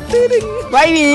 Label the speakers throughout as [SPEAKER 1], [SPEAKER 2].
[SPEAKER 1] ไม่มี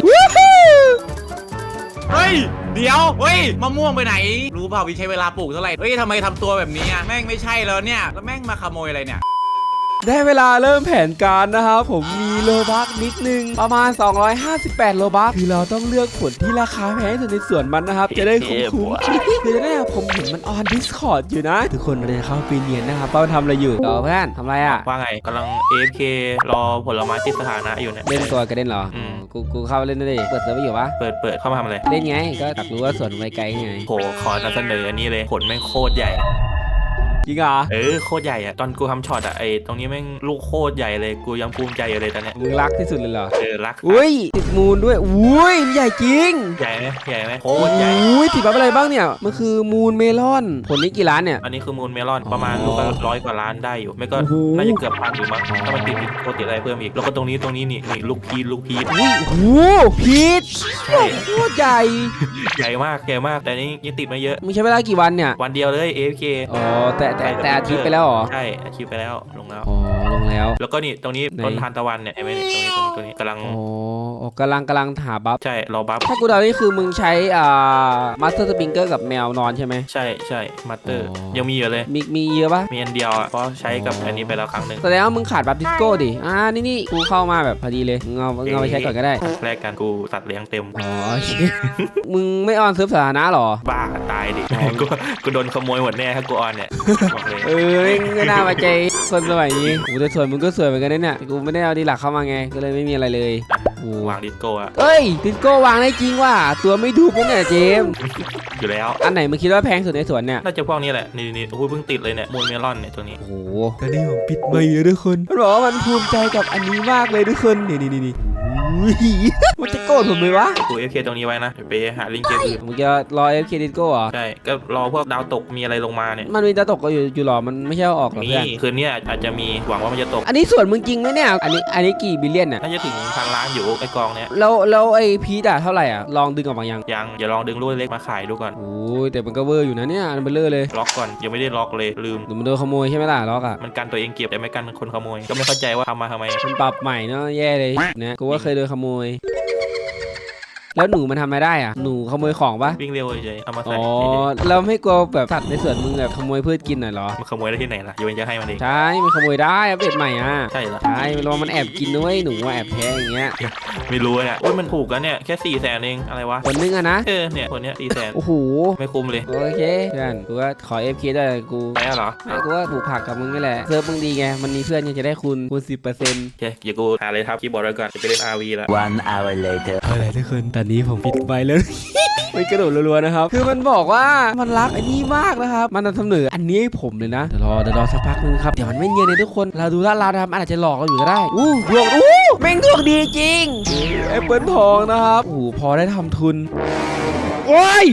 [SPEAKER 2] เฮ้ยเดี๋ยวเฮ้ยมะม่วงไปไหนรู้เปล่าวิใช้เวลาปลูกเท่าไหร่เฮ้ยทำไมทำตัวแบบนี้อ่ะแม่งไม่ใช่แล้วเนี่ยแล้วแม่งมาขโมยอะไรเนี่ย
[SPEAKER 1] ได้เวลาเริ่มแผนการนะครับผมมีโลบัคนิดนึงประมาณ258โลบัคคือเราต้องเลือกผลที่ราคาแพงที่สุดในสวนมันนะครับจะได้คุ้มคือจะได้ผมเห็นมันออน Discord อยู่นะทุกคนเลยเข้าไปเรียนนะครับว่ามันทำอะไรอยู่เพื่อนทำอะไรอ่ะ
[SPEAKER 3] ว่าไงกำลัง AFK รอผลไม้ติดสถานะอยู่เนี่ย
[SPEAKER 1] เล่นตัวกระเด็นเหรอกูเข้าเล่นได้ดิเปิดเซิร์ฟอยู่ปะ
[SPEAKER 3] เปิดเข้ามาทำอะไร
[SPEAKER 1] เล่นไงก็อยากรู้ว่าสวนไปไกลไง
[SPEAKER 3] โหขอนำเสนออันนี้เลยผลแม่งโคตรใหญ่
[SPEAKER 1] จริงเหรอ
[SPEAKER 3] โคตรใหญ่อะตอนกูทำช็อตอะไอตรงนี้แม่งลูกโคตรใหญ่เลยกูยังภูมิใจอยู่เลยตอนเนี้ย
[SPEAKER 1] มึงรักที่สุดเลยเหรอ
[SPEAKER 3] รัก
[SPEAKER 1] อุ้ยติดมูลด้วยอุ้ยใหญ่จริง
[SPEAKER 3] ใหญ่ไหมโคตรใหญ่
[SPEAKER 1] อุ้ยติดบัฟอะไรบ้างเนี่ยมันคือมูลเมลอนผลนี้กี่ล้านเนี่ย
[SPEAKER 3] อันนี้คือมูลเมลอนประมาณลูกละ100 กว่าล้านได้อยู่ไม่ก็น่าจะเกือบพันอยู่มั้งถ้ามันติดโคตรติดอะไรเพิ่มอีกแล้วก็ตรงนี้นี่ลูกพีช
[SPEAKER 1] อุ้ยโอ้พีชใช่โคตรใหญ่
[SPEAKER 3] ใหญ่มากแต่นี้ยังติดไม่เยอะ
[SPEAKER 1] มึงใช้เวลากี่วันเนี่ย
[SPEAKER 3] วันเดียวเลย AFK
[SPEAKER 1] อ๋อแต่อาทิตย์ไปแล้วเหรอ
[SPEAKER 3] ใช่อาทิตย์ไปแล้วลงแล้ว
[SPEAKER 1] อ๋อลงแล้ว
[SPEAKER 3] แล้วก็นี่ตรงนี้ต้นทานตะวันเนี่ยไอ้ไม่ตรงนี้กำลัง
[SPEAKER 1] กำลังหาบัฟ
[SPEAKER 3] ใช่รอบัฟ
[SPEAKER 1] ถ้ากูเดานี่คือมึงใช้มาสเตอร์สปริงเกอร์กับแมวนอนใช่ไหม
[SPEAKER 3] ใช่มาสเตอร์ยังมีอยู่เลย
[SPEAKER 1] มีเยอะปะ
[SPEAKER 3] มีอันเดียวเพราะใช้กับอันนี้ไปแล้วครั้งหนึ่ง
[SPEAKER 1] แสดงว่ามึงขาดบัฟดิสโก้ดินี่กูเข้ามาแบบพอดีเลยเอาไปใช้ก่อนก็ได้
[SPEAKER 3] แรกกันกูตัดเลี้ยงเต็ม
[SPEAKER 1] มึงไม่ออนเซิร์ฟสาธารณะหรอ
[SPEAKER 3] บ้าตายดิกูโดนขโมยหมดแน่ถ้ากูออนเนี่ย
[SPEAKER 1] ไม่น่ามาใจคนสมัยนี้กูจะสวยมึงก็สวยเหมือนกันเนี่ยกูไม่ได้เอาดีหลักเข้ามาไงก็เลยไม่มีอะไรเลย
[SPEAKER 3] กูวางดิสโก้อะ
[SPEAKER 1] ดิสโก้วางได้จริงว่ะตัวไม่ถูกมั้งเนี่ยเจม
[SPEAKER 3] อยู่แล้ว
[SPEAKER 1] อันไหนมึงคิดว่าแพงสุดในสวนเนี่ย
[SPEAKER 3] น่าจะพวกนี้แหละนี่โอ้ยเพิ่งติดเลยเนี่ยมูลเมลอนเนี่ยตัวนี้
[SPEAKER 1] โอ้โหตอนนี้ผมปิดไมค์เลยทุกคนมันบอกว่ามันภูมิใจกับอันนี้มากเลยทุกคนนี่มันจะโกรธผมไหมวะ
[SPEAKER 3] กู FK ตรงนี้ไว้นะไปหาลิงเกมอื่น
[SPEAKER 1] มึงจะรอ FK ดิสโก้เหรอ
[SPEAKER 3] ใช่ก็รอพวกดาวตกมีอะไรลงมาเนี่ย
[SPEAKER 1] มันมีดาวตกก็อยู่หรอมันไม่ใช่ออกหรอเพื่อน
[SPEAKER 3] คืนนี้อาจจะมีหวังว่ามันจะตก
[SPEAKER 1] อันนี้ส่วนมึงจริงไหมเนี่ยอันนี้กี่บิลเลียนเนี่ย
[SPEAKER 3] น่าจะถึง1,000 ล้านอยู่ไอ้กองเนี้ย
[SPEAKER 1] แล้วไอ้พีดเท่าไหร่อ่ะลองดึงออกมายัง
[SPEAKER 3] อย่าลองดึงลูกเล็กมาขายดูก่อน
[SPEAKER 1] โอ้ยแต่มันก็เวอร์อยู่นะเนี่ยมันเบลอเลย
[SPEAKER 3] ล็อกก่อนยังไม่ได้ล็อกเลยลืม
[SPEAKER 1] มันโดนขโมยใช่ไหมล่ะล็อกอ่ะ
[SPEAKER 3] มันกันตัวเองเก็บแต่ไม่กันคนขโมยก็ไม่เข้าใจว่าทำมาทำไม
[SPEAKER 1] มันปรับใหม่เนาะแย่เลยนะกูว่าเคยโดนขโมยแล้วหนูมันทำไม่ได้อ่ะหนูขโมยของปะ
[SPEAKER 3] วิ่งเร็วเฉยเอามาใส่
[SPEAKER 1] เราไม่กลัวแบบสัตว์ในสวนมึงแบบขโมยพืชกินหน่อยหรอ
[SPEAKER 3] มันขโมยได้ที่ไหนล่ะโยนจะให้มันเอง
[SPEAKER 1] ใช่มันขโมยได้อัปเดตใหม่อ่ะ
[SPEAKER 3] ใช่เหรอ
[SPEAKER 1] ใช่ระวังมันแอบกินด้วยหนูแอบแพ้อย่างเงี้ย
[SPEAKER 3] ไม่รู้เนี่ยมันถูกกันเนี่ยแค่400,000เองอะไรวะ
[SPEAKER 1] คนนึงอะนะ
[SPEAKER 3] เนี่ยคนเนี้ย400,000
[SPEAKER 1] โอ้โห
[SPEAKER 3] ไม่คุ้มเลย
[SPEAKER 1] โอเคเพื่อนกูว่าขอ FK ได้กู
[SPEAKER 3] ไปเหรอ
[SPEAKER 1] กูว่าผูกผักกับมึงนี่แหละเซิร์ฟมึงดีไงมันมีเพื่อนยังจะได้คูณ 10%โอ
[SPEAKER 3] เคเดี๋ยวกูหาเลยครับคีย์บอร์ดไว้ก่อนจะไปเล่น RV แล้ว
[SPEAKER 4] 1 hour later
[SPEAKER 1] อะไรทุกคนตอนนี้ผมปิดไปแล้วไม่กระโดดรัวๆนะครับคือมันบอกว่ามันรักอันนี้มากนะครับมันทำเหนืออันนี้ให้ผมเลยนะเดี๋ยวรอสักพักนึงครับเดี๋ยวมันไม่เนียนเลยทุกคนเราดูลาดเราทำอาจจะหลอกเราอยู่ก็ได้ดวงแม่งดวงดีจริงแอปเปิลทองนะครับพอได้ทำทุนโอ้ย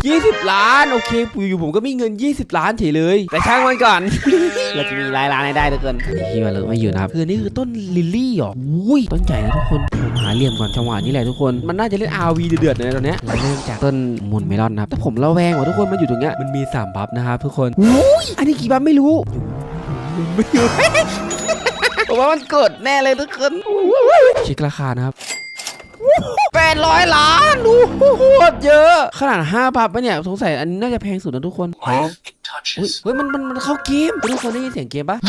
[SPEAKER 1] 20 ล้านโอเคอยู่ผมก็มีเงิน20 ล้านเฉยเลยแต่ช่างมันก่อน เราจะมีรายล้านได้ทุกคนที่มาเลยไม่อยู่นะครับคือนี่คือต้นลิลลี่หรอต้นใหญ่นะทุกคนผมหาเหลี่ยมก่อนจังหวะนี้แหละทุกคนมันน่าจะเล่น RV เดือดๆเลยตอนนี้เราเริ่มจากต้นมูลเมลอนนะครับแต่ผมระแวงว่ะทุกคนมันอยู่ตรงเนี้ยมันมี3บัฟนะครับทุกคนอันนี้กี่บัฟไม่รู้ไม่อยู่ผมว่ามันเกิดแน่เลยทุกคนเช็คราคานะครับ800 ล้านดูโคตรเยอะขนาด5 บัฟเนี่ยสงสัยอันนี้น่าจะแพงสุดนะทุกคนเฮ้ยมันเข้าเกมทุกคนได้ยินเสียงเกมปะ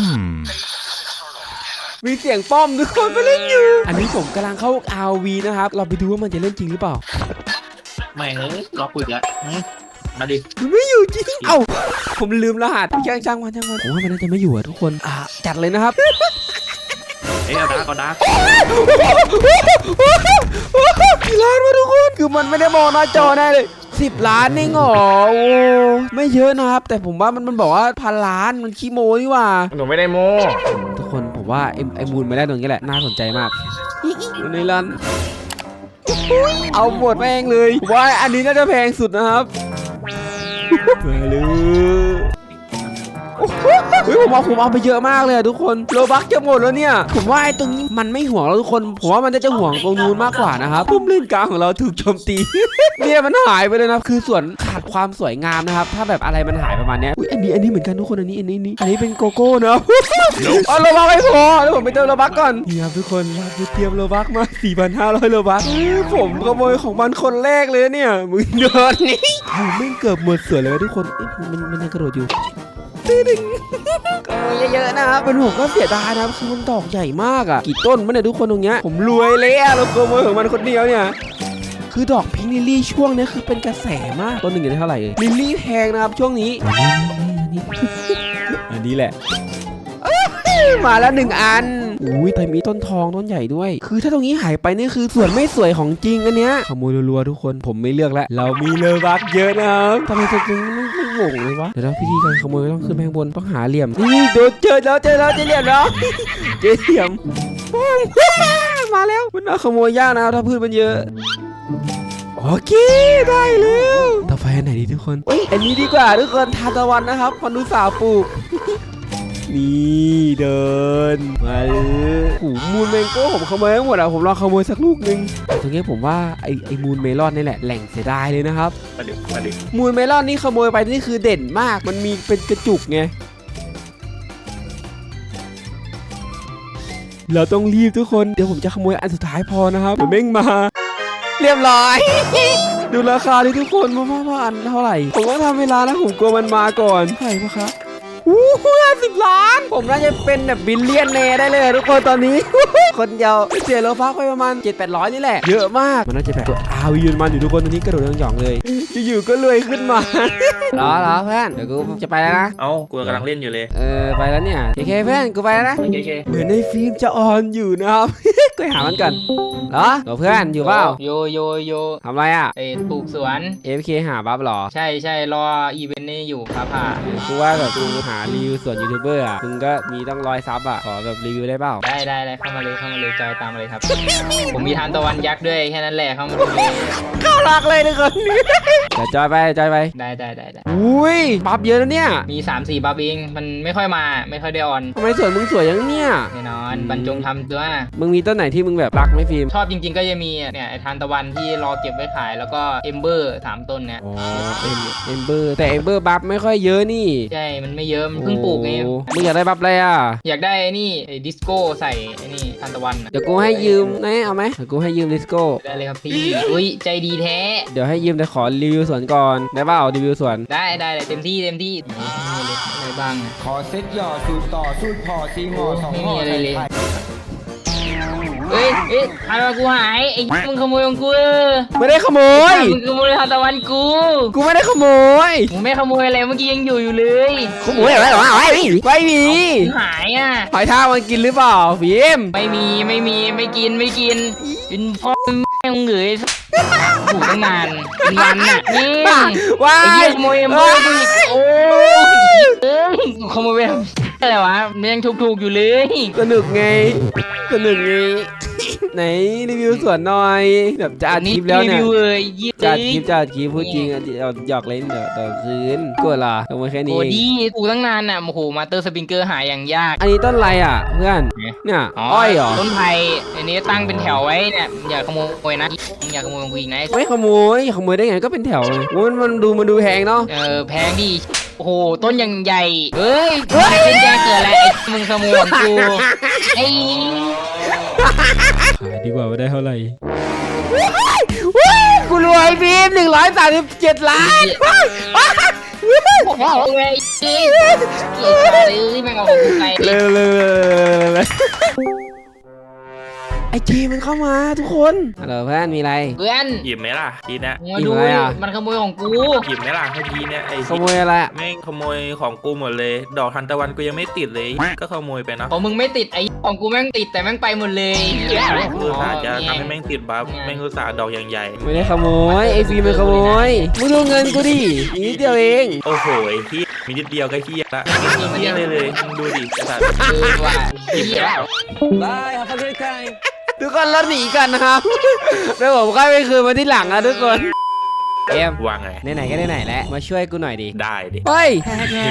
[SPEAKER 1] มีเสียงป้อมทุกคนไปเล่นอยู่อันนี้ผมกำลังเข้า RV นะครับเราไปดูว่ามันจะเล่นจริงหรือเปล่า
[SPEAKER 3] ไม่ล็อกกูอีกแล้วมาดิ
[SPEAKER 1] มันไม่อยู่จริงผมลืมรหัสช่างมันผมว่ามันน่าจะไม่อยู่อะทุกคนจัดเลยนะครับ
[SPEAKER 3] เอาดาร์ก
[SPEAKER 1] กี่ล้านวะทุกคนคือมันไม่ได้มองหน้าจอแน่เลย10 ล้านนี่หรอไม่เยอะนะครับแต่ผมว่ามันบอกว่า1,000 ล้านมันขี้โม้นี่ว่า
[SPEAKER 3] หนูไม่ได้โม้
[SPEAKER 1] ทุกคนผมว่าไอ้มูลไม่ได้ตรงนี้แหละน่าสนใจมากในร้านเอาหมดแม่งเลยว่าอันนี้น่าจะแพงสุดนะครับมาเลยผมเอาไปเยอะมากเลยอะทุกคนโลบักจะหมดแล้วเนี่ยผมว่าไอ้ตรงนี้มันไม่ห่วงแล้วทุกคนผมว่ามันจะห่วงตรงนู้นมากกว่านะครับปุ่มเล่นกลางของเราถูกโจมตี เนี่ยมันหายไปเลยนะคือส่วนขาดความสวยงามนะครับถ้าแบบอะไรมันหายประมาณเนี้ยอันนี้เหมือนกันทุกคนอันนี้เป็นโกโก้เนาะ เอาโลบักไม่พอแล้วผมไปเติมโลบักก่อนนี่ครับทุกคนเราเตรียมโลบักมา 4,500 โลบักผมขโมยของมันคนแรกเลยเนี่ยมึงเดินนี่ไม่เกือบหมดเสือเลยทุกคนมันยังกระโดดอยู่ดึงขโมยเยอะๆนะครับเป็นผมก็เสียดายนะครับคือมันดอกใหญ่มากอ่ะกี่ต้นมันเนี่ยทุกคนตรงเนี้ยผมรวยเลยอะเราขโมยของมันคนเดียวเนี่ยคือดอกพิงค์ลิลลี่ช่วงนี้คือเป็นกระแสมากต้นหนึ่งอยู่ได้เท่าไหร่ลิลลี่แพงนะครับช่วงนี้อันนี้แหละมาแล้ว1 อันอุ้ยแต่มีต้นทองต้นใหญ่ด้วยคือถ้าตรงนี้หายไปนี่คือส่วนไม่สวยของจริงอันเนี้ยขโมยรัวๆทุกคนผมไม่เลือกแล้วเรามีเลบักเยอะนะครับทำไมตรงนี้ไม่โง่เลยวะเดี๋ยวพิธีการขโมยต้องขึ้นไปข้างบนต้องหาเหลี่ยมนี่โดนเจอแล้วเจอเหลี่ยมแล้วเจอเหลี่ยมมาแล้วมันเอาขโมยยากนะถ้าพืชมันเยอะโอเคได้แล้วต่อไปอันไหนดีทุกคนอันนี้ดีกว่าทุกคนทานตะวันนะครับพอนุสาวปลูกนี่เดินมาเลยหูมูนเมงโก้ผมขโมยทั้งหมดอะผมลองขโมยสักลูกนึงตรงนี้ผมว่าไอ้มูนเมลอนนี่แหละแหล่งเสียดายเลยนะครับ
[SPEAKER 3] มาดิ
[SPEAKER 1] มูนเมลอนนี่ขโมยไปนี่คือเด่นมากมันมีเป็นกระจุกไงเราต้องรีบทุกคนเดี๋ยวผมจะขโมยอันสุดท้ายพอนะครับเดี๋ยวเม่งมาเรียบร้อย ดูราคาดิทุกคนว่าอันเท่าไหร่ผมต้องทำเวลานะผมกลัวมันมาก่อนเท่าไหร่ปะครับ50 ล้านผมน่าจะเป็นแบบบิลเลียนแนร์ได้เลยทุกคนตอนนี้ คนเดียวเสียโลฟักไปประมาณ 700-800 นี่แหละเยอะมากมันน่าจะแบบตัวอาวีมันอยู่ทุกคนตอนนี้กระโดดหย่องๆเลยอยู่ๆก็รวยขึ้นมา รอเพื่อนเดี๋ยวกูจะไปแล้วนะ
[SPEAKER 3] เอ้ากูกำลังเล่นอยู่เลย
[SPEAKER 1] ไปแล้วเนี่ยเคเพื่อนกูไปแล้วนะ
[SPEAKER 3] เค
[SPEAKER 1] เหมือนในฟิล์มจะออนอยู่นะครับ ก็หามันกันเหรอเพื่อนอยู่เปล่า
[SPEAKER 4] โย
[SPEAKER 1] ทำไรอ่ะ
[SPEAKER 4] ปลูกสวน
[SPEAKER 1] FK หาบัฟหรอ
[SPEAKER 4] ใช่รออีเวนต์นี้อยู่ผ่า
[SPEAKER 1] กูว่าแบบกูหารีวิวส่วนยูทูบเบอร์อ่ะมึงก็มีต้อง100 ซับอ่ะขอแบบรีวิวได้เปล่า
[SPEAKER 4] ได้เข้ามาเลยจอยตามมาเลยครับ ผมมีทานตะวันยักษ์ด้วยแค่นั้นแหละเข้ามาดูเลย
[SPEAKER 1] เข้ารักเลยทุกคนเดี๋ยวจอยไป
[SPEAKER 4] ได้
[SPEAKER 1] อุ้ยบัฟเยอะนะเนี่ย
[SPEAKER 4] มี 3-4 บัฟเองมันไม่ค่อยได้ออน
[SPEAKER 1] ทำไมสวยมึงสวยอย่างเนี้ย
[SPEAKER 4] แน่นอนบรรจงทำตัว
[SPEAKER 1] มึงมีต้นไหนที่มึงแบบรักไหมฟิล์ม
[SPEAKER 4] ชอบจริงๆก็จะมีเนี่ยไอ้ทานตะวันที่รอเก็บไว้ขายแล้วก็เอมเบอร์3 ต้นเนี่ย
[SPEAKER 1] เอมเบอร์แต่เอมเบอร์บัฟไม่ค่อยเยอะนี่
[SPEAKER 4] ใช่มันไม่เยอะมันเพิ่งปลูกไง
[SPEAKER 1] มึงอยากได้บัฟอะไรอ่ะ
[SPEAKER 4] อยากได้ไอ้นี่ไอ้ดิสโก้ใส่ไอ้นี่ทานตะวัน
[SPEAKER 1] เดี๋ยวกูให้ยืมนะเอาไหมเดี๋ยวกูให้ยืมดิสโก้
[SPEAKER 4] ได้เลยครับพี่อุ้ยใจดีแท้
[SPEAKER 1] เดี๋ยวให้ยืมแต่ขอรีวิวสวนก่อนได้เปล่ารีวิวสวน
[SPEAKER 4] ได้เต็มที่อะไรบ้าง
[SPEAKER 5] ขอเซ็ตหย่อสูตรต่อสูตรพอซีหม้อ2 ห่อ
[SPEAKER 4] อะไรเลยเฮ้ยทานตะวันกูหายไอ้มึงขโมยของกู
[SPEAKER 1] ไม่ได้ขโมย
[SPEAKER 4] มึงขโมยทานตะวันกู
[SPEAKER 1] ไม่ได้ขโมย
[SPEAKER 4] มึงไม่ขโมยอะไรเมื่อกี้ยังอยู่เลย
[SPEAKER 1] ขโมยอะไรหรอไม่มี
[SPEAKER 4] หายอ่ะ
[SPEAKER 1] หอยทากมันกินหรือเปล่าฟิล์ม
[SPEAKER 4] ไม่กินเป็นพ่อแม่งเหนื่อยถูกตั้งนานเป็นวันน่ะนี่
[SPEAKER 1] ว้า
[SPEAKER 4] ไอ้เหี้ยขโมยกูอีกโอ้ขโมยไปอะไรวะมันยังถูกอยู่เลย
[SPEAKER 1] สนุกไงไหนรีวิวสวนหน่อยแบบจะอัดคลิปแล้วเนี่ยจะอัดคลิปพูดจริงหยอกเล่นเดี๋ยวต่อคืนกดล่ะลงมาแค่นี้
[SPEAKER 4] โอ้ดีกูตั้งนานน่ะโอ้โหมาเตอร์สปริงเกอร์หาอย่างยาก
[SPEAKER 1] อันนี้ต้นอะไรอ่ะเพื่อนเนี่ยอ้อยเหรอ
[SPEAKER 4] ต้นไผ่อันนี้ตั้งเป็นแถวไว้เนี่ยอย่าขโมยนะอย่าขโมยของกูอีกนะ
[SPEAKER 1] ไม่ขโมยได้ไงก็เป็นแถวเลยมันดูแพงเนาะ
[SPEAKER 4] แพงดิโอ้โหต้นยังใหญ่เฮ้ยเป็นแกเกิดอะไรไอ้มึงขโมยของกูไอ้
[SPEAKER 1] ขายดีกว่าได้เท่าไหร่กูรวยบีม137 ล้าน
[SPEAKER 4] โอ้โหเลยเกลียดแม่งเอาของกูไป
[SPEAKER 1] เลยไอจีมันเข้ามาทุกคนฮัลโหลเพื่อนมีอะไร
[SPEAKER 4] เพื่อน
[SPEAKER 3] หยิบไหมล่ะทีเนี้ย
[SPEAKER 4] มาดูมันขโมยของกู
[SPEAKER 3] หยิบไหมล่ะทีเนี้ยไอ
[SPEAKER 1] ขโมยอะไร
[SPEAKER 3] แม่งขโมยของกูหมดเลยดอกทานตะวันกูยังไม่ติดเลยก็ขโมยไปนะ
[SPEAKER 4] ของมึงไม่ติดไอของกูแม่งติดแต่แม่งไปหมดเลย
[SPEAKER 3] กูสาจะทำให้แม่งติดบัฟแม่งกูสาดอกอย่างใหญ่
[SPEAKER 1] ไม่ได้ขโมยไอฟีมันขโมยมึงดูเงินกูดินิดเดียวเอง
[SPEAKER 3] โอ้โหไอที่มีนิดเดียวก็เฮียละเฮียเลยมึงดูดิสัตว์
[SPEAKER 4] ว่าหยิบแล้ว
[SPEAKER 1] Bye have a great time ทุกคนเราหนีกันนะครับแล้วผมค่อยไปคืนมาที่หลังนะทุกคนเจมส์
[SPEAKER 3] ว่าไง
[SPEAKER 1] ไหนๆก็ไหนๆแล้วมาช่วยกูหน่อยดิ
[SPEAKER 3] ได้ดิ
[SPEAKER 1] เฮ้ย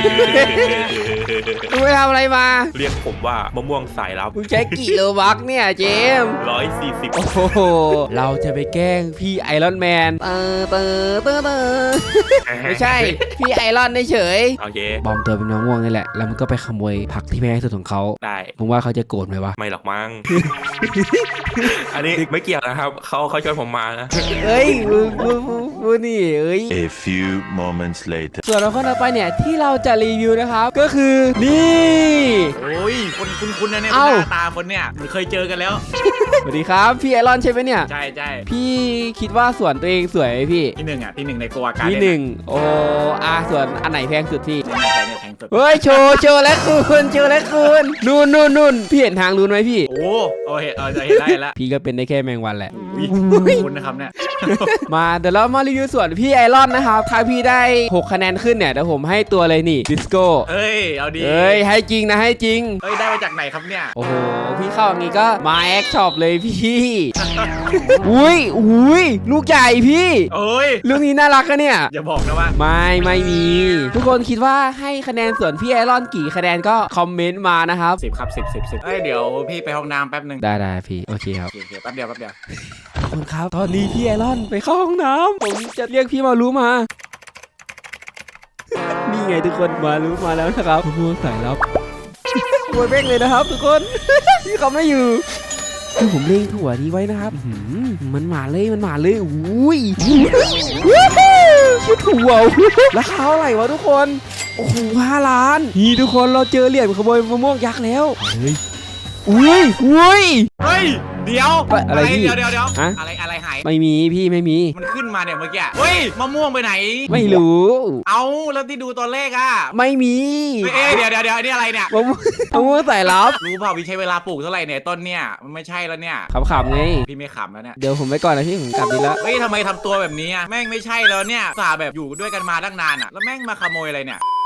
[SPEAKER 1] มึงไปทำอะไรมา
[SPEAKER 3] เรียกผมว่ามะม่วงสายลับ
[SPEAKER 1] มึงใช้กี่โลบักเนี่ยเจมส์
[SPEAKER 3] 140
[SPEAKER 1] โอ้โหเราจะไปแกล้งพี่ไอรอนแมนไม่ใช่พี่ไอรอนเฉย
[SPEAKER 3] โอเค
[SPEAKER 1] บอมตัวเป็นมะม่วงนี่แหละแล้วมันก็ไปขโมยผักที่แพงที่สุดของเขา
[SPEAKER 3] ได้
[SPEAKER 1] มึงว่าเขาจะโกรธไหมวะ
[SPEAKER 3] ไม่หรอกมั้ง อันนี้ไม่เกี่ยวนะครับเขาชวนผมมานะ
[SPEAKER 1] เอ้ยมึงนี่เอ้ย
[SPEAKER 6] A few moments later.
[SPEAKER 1] ส่วนเราคนต่อไปเนี่ยที่เราจะรีวิวนะครับ ก็คือนี่
[SPEAKER 2] โอ้ยคนคุณนะเนี่ยห
[SPEAKER 1] เอ้า
[SPEAKER 2] น้าตาคนเนี่ยเคยเจอกันแล้ว
[SPEAKER 1] สวัสดีครับพี่ไอรอนใช่ไหมเนี่ย
[SPEAKER 2] ใช่ใช่
[SPEAKER 1] พี่คิดว่าสวนตัวเองสวยไหมพี่
[SPEAKER 2] ที่หนึ่งอ่ะที่หนึ่งในโกวาการ
[SPEAKER 1] ที่หนึ่งโอ้สวนอันไหนแพงสุดพี่
[SPEAKER 2] ในหน้าใจเนี่ยแทงสุด
[SPEAKER 1] เฮ้ยโชว์แล้วคุณนู่นพี่เห็นทางรู้ไหมพี่
[SPEAKER 2] โอ้โอเห็นจะเห็นได้แล้ว
[SPEAKER 1] พี่ก็เป็นได้แค่แมงวันแหละ
[SPEAKER 2] คุณนะครับเนี่ย
[SPEAKER 1] มาเดี๋ยวเรามารีวิวส่วนพี่ไอรอนนะครับถ้าพี่ได้6คะแนนขึ้นเนี่ยเดี๋ยวผมให้ตัวเลยนี่ดิสโก้
[SPEAKER 2] เอ้ยเอาดี
[SPEAKER 1] เอ้ยให้จริงนะให้จริง
[SPEAKER 2] เอ้ยได้มาจากไหนครับเนี่ย
[SPEAKER 1] โอ้โหพี่เข้าอย่างงี้ก็มาแอคช็อปเลยพี่ อุ้ยลูกใหญ่พี่
[SPEAKER 2] เอ้ย
[SPEAKER 1] ลูกนี้น่ารักอะเนี่ย
[SPEAKER 2] อย่าบอกนะว่า
[SPEAKER 1] ไม่มี ทุกคนคิดว่าให้คะแนนส่วนพี่ไอรอนกี่คะแนนก็คอมเมนต์มานะครับ
[SPEAKER 2] 10 ครับ10เอ้ยเดี๋ยวพี่ไปห้องน้ำแป๊บหนึ่ง
[SPEAKER 1] ได้พี่โอเคครับ
[SPEAKER 2] โอเคแป๊บเดียว
[SPEAKER 1] ขอบคุณครับตอนนี้พี่ไอรอนไปเข้าห้องน้ำผมจะเรียกพี่มารู้มา นี่ไงทุกคนมารู้มาแล้วนะครับมะม่วงสายลับโวยเบ้งเลยนะครับ ทุกคน พี่เขาไม่อยู่คือผมเล็งถั่วนี้ไว้นะครับมันมาเลยอุ้ยชื่อถั่วราคาเท่าไหร่วะทุกคนโอ้โห5 ล้านนี่ทุกคนเราเจอเหรียญขโมยมะม่วงยักษ์แล้วเฮ้ยอุ้ย
[SPEAKER 2] เฮ้ยเดี๋ยว
[SPEAKER 1] อะไรพี่
[SPEAKER 2] เดี๋ยว
[SPEAKER 1] ฮะ
[SPEAKER 2] อะไรหาย
[SPEAKER 1] ไม่มีพี่ไม่มี
[SPEAKER 2] มันขึ้นมาเนี่ยเมื่อกี้เฮ้ยมะม่วงไปไหน
[SPEAKER 1] ไม่รู้
[SPEAKER 2] เอาแล้วที่ดูตอนแรกอ่ะ
[SPEAKER 1] ไม่มี
[SPEAKER 2] เอ้ยเดี๋ยวอันนี้อะไรเนี่ย
[SPEAKER 1] มะม่วงสายลับ
[SPEAKER 2] รู้เปล่าพี่ใช้เวลาปลูกเท่าไหร่เนี่ยต้นเนี่ยมันไม่ใช่แล้วเนี่ย
[SPEAKER 1] ขำๆไง
[SPEAKER 2] พี่ไม่ขำแล้วเนี่ย
[SPEAKER 1] เดี๋ยวผมไปก่อนนะพี่ผมกลับดีแล้ว
[SPEAKER 2] เฮ้ยทำไมทำตัวแบบนี้อ่ะแม่งไม่ใช่แล้วเนี่ยสาแบบอยู่ด้วยกันมาตั้งนานอ่ะแล้วแม่งมาขโมยอะไรเนี่ย